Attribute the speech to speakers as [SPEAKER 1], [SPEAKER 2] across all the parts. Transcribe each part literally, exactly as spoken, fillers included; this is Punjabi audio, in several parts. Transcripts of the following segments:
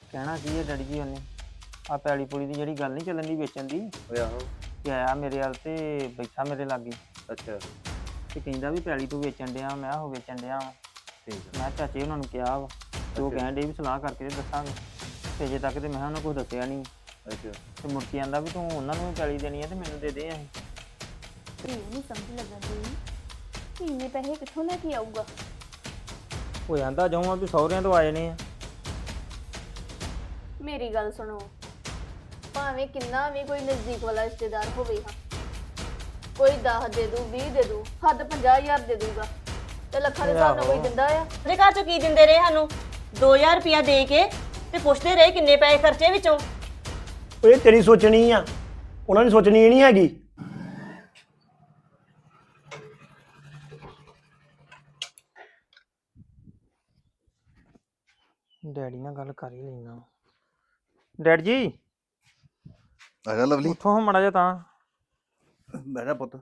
[SPEAKER 1] ਕਹਿਣਾ ਕੀ ਹੈ ਡੈਡੀ ਜੀ ਉਹਨੇ ਆ ਪੈਲੀ ਪੁਲੀ ਦੀ ਜਿਹੜੀ ਗੱਲ ਨਹੀਂ ਚੱਲਣ ਦੀ ਵੇਚਣ ਦੀ
[SPEAKER 2] ਓਏ ਆਹੋ।
[SPEAKER 1] ਕਿ ਆਇਆ ਮੇਰੇ ਵੱਲ ਤੇ ਬੈਠਾ ਮੇਰੇ ਲਾਗੇ
[SPEAKER 2] ਅੱਛਾ
[SPEAKER 1] ਤੇ ਕਹਿੰਦਾ ਵੀ ਪੈਲੀ ਤੂੰ ਵੇਚਣ ਡਿਆ ਮੈਂ ਉਹ ਵੇਚਣ ਡਿਆ ਵਾਂ।
[SPEAKER 2] ਠੀਕ ਆ।
[SPEAKER 1] ਮੈਂ ਚਾਚੇ ਉਹਨਾਂ ਨੂੰ ਕਿਹਾ ਵਾ ਤੇ ਉਹ
[SPEAKER 2] ਅੱਛਾ।
[SPEAKER 1] ਕਹਿਣ ਡੇ ਵੀ ਸਲਾਹ ਕਰਕੇ ਤੇ ਦੱਸਾਂਗੇ ਤੇ ਅਜੇ ਤੱਕ ਤੇ ਮੈਂ ਉਹਨਾਂ ਕੁਝ ਦੱਸਿਆ ਨਹੀਂ
[SPEAKER 2] ਅੱਛਾ
[SPEAKER 1] ਤੇ ਮੁੜ ਕੇ ਆਂਦਾ ਵੀ ਤੂੰ ਉਹਨਾਂ ਨੂੰ ਵੀ ਪੈਲੀ ਦੇਣੀ ਹੈ ਤੇ ਮੈਨੂੰ ਦੇ ਦੇ ਅਸੀਂ।
[SPEAKER 3] ਇਹ ਨਹੀਂ ਸਮਝ ਲੱਗਣ ਦੀ ਕਿ ਇੰਨੇ ਪੈਸੇ ਕਿੱਥੋਂ ਲੈ ਕੇ ਆਊਗਾ।
[SPEAKER 1] ਉਹ ਆਂਦਾ ਜਾਊਂ ਵੀ ਸਹੁਰਿਆਂ ਤੋਂ ਆਏ ਨੇ ਆ।
[SPEAKER 3] ਮੇਰੀ ਗੱਲ ਸੁਣੋ, ਭਾਵੇਂ ਕਿੰਨਾ ਵੀ ਕੋਈ ਨਜ਼ਦੀਕ ਵਾਲਾ ਰਿਸ਼ਤੇਦਾਰ ਹੋਵੇ ਹਾਂ, ਕੋਈ ਦਸ ਦੇ ਦੂ ਵੀਹ ਦੇ ਦੂ ਹੱਦ ਪੰਜਾਹ ਹਜ਼ਾਰ ਦੇ ਦੂਗਾ ਤੇ ਲੱਖਾਂ ਦੇ ਹਿਸਾਬ ਨਾਲ ਕੋਈ ਦਿੰਦਾ ਆ।
[SPEAKER 4] ਉਹਦੇ ਘਰ ਚੋਂ ਕੀ ਦਿੰਦੇ ਰਹੇ ਸਾਨੂੰ ਦੋ ਹਜ਼ਾਰ ਰੁਪਇਆ ਦੇ ਕੇ ਤੇ ਪੁੱਛਦੇ ਰਹੇ ਕਿੰਨੇ ਪੈਸੇ ਖਰਚੇ ਵਿੱਚੋਂ।
[SPEAKER 5] ਉਹ ਇਹ ਤੇਰੀ ਸੋਚਣੀ ਆ, ਉਹਨਾਂ ਦੀ ਸੋਚਣੀ ਇਹ ਨਹੀਂ ਹੈਗੀ।
[SPEAKER 1] ਡੈਡੀ ਨਾਲ ਗੱਲ ਕਰ ਹੀ ਲੈਣਾ। ਡੈਡ ਜੀ
[SPEAKER 2] ਆ ਜਾ ਲਵਲੀ।
[SPEAKER 1] ਉੱਥੋਂ ਹੋ ਮਾੜਾ ਜਿਹਾ ਤਾਂ
[SPEAKER 2] ਬਹਿ ਜਾ ਪੁੱਤ।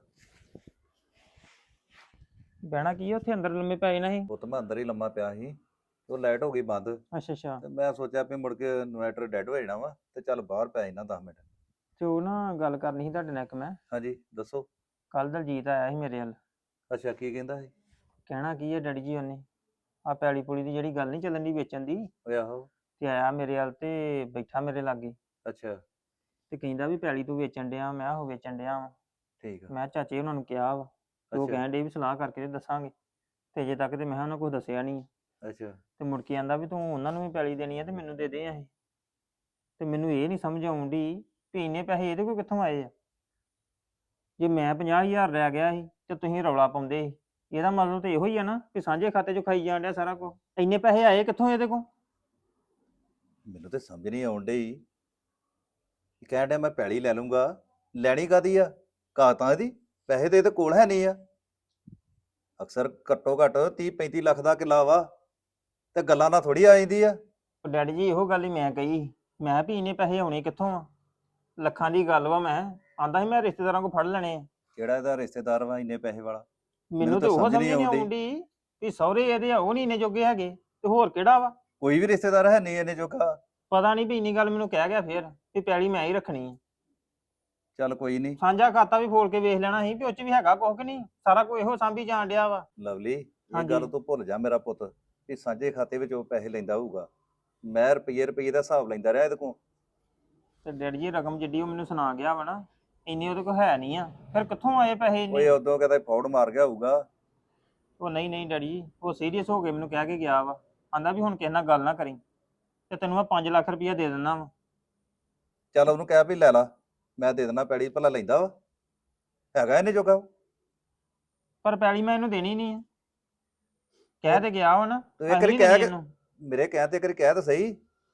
[SPEAKER 1] ਬਹਿਣਾ ਕੀ ਆ ਉੱਥੇ ਅੰਦਰ ਲੰਮੇ ਪੈ ਜਾਣਾ ਸੀ।
[SPEAKER 2] ਪੁੱਤ ਮੈਂ ਅੰਦਰ ਹੀ ਲੰਮਾ ਪਿਆ ਸੀ, ਉਹ ਲਾਈਟ ਹੋ ਗਈ ਬੰਦ
[SPEAKER 1] ਅੱਛਾ ਅੱਛਾ
[SPEAKER 2] ਤੇ ਮੈਂ ਸੋਚਿਆ ਵੀ ਮੁੜ ਕੇ ਇਨਵਰਟਰ ਡੈਡ ਹੋ ਜਾਣਾ ਵਾ ਤੇ ਚੱਲ ਬਾਹਰ ਪੈ ਜਾਣਾ ਦਸ ਮਿੰਟ।
[SPEAKER 1] ਤੇ ਉਹ ਨਾ ਗੱਲ ਕਰਨੀ ਸੀ ਤੁਹਾਡੇ ਨਾਲ ਇੱਕ ਮੈਂ।
[SPEAKER 2] ਹਾਂਜੀ ਦੱਸੋ।
[SPEAKER 1] ਕੱਲ ਦਲਜੀਤ ਆਇਆ ਸੀ ਮੇਰੇ ਵੱਲ।
[SPEAKER 2] ਅੱਛਾ ਕੀ ਕਹਿੰਦਾ ਸੀ?
[SPEAKER 1] ਕਹਿਣਾ ਕੀ ਹੈ ਡੈਡੀ ਜੀ ਉਹਨੇ ਆ ਪੈਲੀ ਪੁਲੀ ਦੀ ਜਿਹੜੀ ਗੱਲ ਨਹੀਂ ਚੱਲਣ ਦੀ ਵੇਚਣ ਦੀ
[SPEAKER 2] ਓਏ ਆਹੋ।
[SPEAKER 1] ਤੇ ਆਇਆ ਮੇਰੇ ਵੱਲ ਤੇ ਬੈਠਾ ਮੇਰੇ ਲਾਗੇ
[SPEAKER 2] ਅੱਛਾ
[SPEAKER 1] ਤੇ ਕਹਿੰਦਾ ਵੀ ਪੈਲੀ ਤੂੰ ਵੇਚਣ ਡਿਆ ਮੈਂ ਉਹ ਵੇਚਣ ਡਿਆ ਵਾਂ।
[SPEAKER 2] ਠੀਕ ਆ।
[SPEAKER 1] ਮੈਂ ਚਾਚੇ ਉਹਨਾਂ ਨੂੰ ਕਿਹਾ ਵਾ ਤੇ ਉਹ
[SPEAKER 2] ਅੱਛਾ
[SPEAKER 1] ਕਹਿਣ ਡੇ ਵੀ ਸਲਾਹ ਕਰਕੇ ਤੇ ਦੱਸਾਂਗੇ ਤੇ ਅਜੇ ਤੱਕ ਤੇ ਮੈਂ ਉਹਨਾਂ ਕੁਝ ਦੱਸਿਆ ਨਹੀਂ
[SPEAKER 2] ਅੱਛਾ
[SPEAKER 1] ਤੇ ਮੁੜ ਕੇ ਆਂਦਾ ਵੀ ਤੂੰ ਉਹਨਾਂ ਨੂੰ ਵੀ ਪੈਲੀ ਦੇਣੀ ਆ ਤੇ ਮੈਨੂੰ ਦੇ ਦੇ ਅਸੀਂ। ਤੇ ਮੈਨੂੰ ਇਹ ਨਹੀਂ ਸਮਝ ਆਉਂਦੀ ਵੀ ਇੰਨੇ ਪੈਸੇ ਇਹਦੇ ਕੋਲ ਕਿੱਥੋਂ ਆਏ ਆ। ਜੇ ਮੈਂ ਪੰਜਾਹ ਹਜ਼ਾਰ ਲੈ ਗਿਆ ਸੀ ਤੇ ਤੁਸੀਂ ਰੌਲਾ ਪਾਉਂਦੇ ਸੀ, ਇਹਦਾ ਮਤਲਬ ਤੇ ਇਹੋ ਹੀ ਆ ਨਾ ਕਿ ਸਾਂਝੇ ਖਾਤੇ 'ਚੋਂ ਖਾਈ ਜਾਣ ਡਿਆ ਸਾਰਾ ਕੁਝ। ਇੰਨੇ ਪੈਸੇ ਆਏ ਕਿੱਥੋਂ ਇਹਦੇ ਕੋਲ?
[SPEAKER 2] ਮੈਨੂੰ ਤੇ ਸਮਝ ਨਹੀਂ ਆਉਣ ਡਈ। ਕਹਿਣ ਡਿਆ ਮੈਂ ਪੈਲੀ ਲੈ ਲੂੰਗਾ, ਲੈਣੀ ਕਾਦੀ ਆ? ਕਾਤਾਂ ਇਹਦੀ ਪੈਸੇ ਤੇ ਇਹਦੇ ਕੋਲ ਹੈ ਨਹੀਂ ਆ। ਅਕਸਰ ਘੱਟੋ ਘੱਟ ਤੀਹ ਪੈਂਤੀ ਲੱਖ ਦਾ ਕਿੱਲਾ ਵਾ ਤੇ ਗੱਲਾਂ ਨਾਲ ਥੋੜੀ ਆ ਜਾਂਦੀ ਆ।
[SPEAKER 1] ਉਹ ਡੈਡੀ ਜੀ ਇਹੋ ਗੱਲ ਹੀ ਮੈਂ ਕਹੀ ਸੀ। ਮੈਂ ਵੀ ਇੰਨੇ ਪੈਸੇ ਆਉਣੇ ਕਿੱਥੋਂ ਆ? ਲੱਖਾਂ ਦੀ ਗੱਲ ਵਾ। ਮੈਂ ਆਂਦਾ ਸੀ ਮੈਂ ਰਿਸ਼ਤੇਦਾਰਾਂ ਕੋਲ ਫੜ ਲੈਣੇ ਆ।
[SPEAKER 2] ਕਿਹੜਾ ਇਹਦਾ ਰਿਸ਼ਤੇਦਾਰ ਵਾ ਇੰਨੇ ਪੈਸੇ ਵਾਲਾ?
[SPEAKER 1] ਮੈਨੂੰ ਤੇ
[SPEAKER 2] ਤਾਂ
[SPEAKER 1] ਉਹ
[SPEAKER 2] ਸਮਝ
[SPEAKER 1] ਸਮਝ
[SPEAKER 2] ਨਹੀਂ
[SPEAKER 1] ਨਹੀਂ
[SPEAKER 2] ਆਉਂਦੀ।
[SPEAKER 1] ਆਉਂਦੀ ਵੀ ਸਹੁਰੇ ਇਹਦੇ ਆ ਉਹ ਨਹੀਂ ਇੰਨੇ ਜੋਗੇ ਹੈਗੇ ਤੇ ਹੋਰ ਕਿਹੜਾ ਵਾ?
[SPEAKER 2] ਕੋਈ ਵੀ ਰਿਸ਼ਤੇਦਾਰ ਹੈ ਨਹੀਂ ਇਹਨੇ ਜੋਗਾ।
[SPEAKER 1] ਪਤਾ ਨਹੀਂ ਵੀ ਇੰਨੀ ਗੱਲ ਮੈਨੂੰ ਕਹਿ ਗਿਆ ਫੇਰ ਵੀ ਪੈਲੀ ਮੈਂ ਹੀ ਰੱਖਣੀ ਆ।
[SPEAKER 2] ਚੱਲ ਕੋਈ ਨਹੀਂ
[SPEAKER 1] ਸਾਂਝਾ ਖਾਤਾ ਵੀ ਫੋਲ ਕੇ ਵੇਖ ਲੈਣਾ ਸੀ ਵੀ ਉਹ 'ਚ ਵੀ ਹੈਗਾ ਕੁਛ ਕਿ ਨਹੀਂ। ਸਾਰਾ ਕੁਝ ਇਹੋ ਸਾਂਭੀ ਜਾਣ ਡਿਆ ਵਾ।
[SPEAKER 2] ਲਵਲੀ, ਇਹ
[SPEAKER 1] ਹਾਂਜੀ।
[SPEAKER 2] ਗੱਲ ਤੂੰ ਭੁੱਲ ਜਾ ਮੇਰਾ ਪੁੱਤ ਵੀ ਸਾਂਝੇ ਖਾਤੇ ਵਿੱਚ ਉਹ ਪੈਸੇ ਲੈਂਦਾ ਹੋਊਗਾ। ਮੈਂ ਰੁਪਈਏ ਰੁਪਈਏ ਦਾ ਹਿਸਾਬ ਲੈਂਦਾ ਰਿਹਾ ਇਹਦੇ ਕੋਲ।
[SPEAKER 1] ਤੇ ਡੈਡੀ ਜੀ ਰਕਮ ਜਿੱਡੀ ਉਹ ਮੈਨੂੰ ਸੁਣਾ ਗਿਆ ਵਾ ਨਾ, ਇੰਨੀ ਉਹਦੇ ਕੋਲ ਹੈ ਨਹੀਂ ਆ। ਫਿਰ ਕਿੱਥੋਂ ਆਏ ਪੈਸੇ ਇੰਨੇ?
[SPEAKER 2] ਓਏ ਉਦੋਂ ਕਹਿੰਦਾ ਫੌੜ ਮਾਰ ਗਿਆ ਹੋਊਗਾ।
[SPEAKER 1] ਉਹ ਨਹੀਂ ਨਹੀਂ ਡੈਡੀ ਜੀ, ਉਹ ਸੀਰੀਅਸ ਹੋ ਕੇ ਮੈਨੂੰ ਕਹਿ ਕੇ ਗਿਆ ਵਾ। ਆਂਦਾ ਵੀ ਹੁਣ ਕਿਸੇ ਨਾਲ ਗੱਲ ਨਾ ਕਰੀ ਤੇ ਤੈਨੂੰ ਮੈਂ ਪੰਜ ਲੱਖ ਰੁਪਈਆ ਦੇ ਦਿੰਦਾ ਵਾ।
[SPEAKER 2] ਚੱਲ ਉਹਨੂੰ ਕਹਿ ਵੀ ਲੈ ਲਾ, ਮੈਂ ਦੇ ਦੇਣਾ ਪੈੜੀ। ਭਲਾ ਲੈਂਦਾ ਵਾ? ਹੈਗਾ ਇਹਨੇ ਜੋਗਾ?
[SPEAKER 1] ਪਰ ਪੈਲੀ ਮੈਂ ਇਹਨੂੰ ਦੇਣੀ ਨਹੀਂ ਆ। ਕਹਿ ਤੇ ਗਿਆ ਵਾ ਨਾ।
[SPEAKER 2] ਤੂੰ ਇੱਕ
[SPEAKER 1] ਅਸੀਂ
[SPEAKER 2] ਵਾਰੀ
[SPEAKER 1] ਨੀ
[SPEAKER 2] ਕਹਿ
[SPEAKER 1] ਦੇਣੀ
[SPEAKER 2] ਕੇ
[SPEAKER 1] ਇਹਨੂੰ।
[SPEAKER 2] ਮੇਰੇ ਕਹਿ ਤੇ ਇੱਕ ਵਾਰੀ ਕਹਿ ਤਾਂ ਸਹੀ।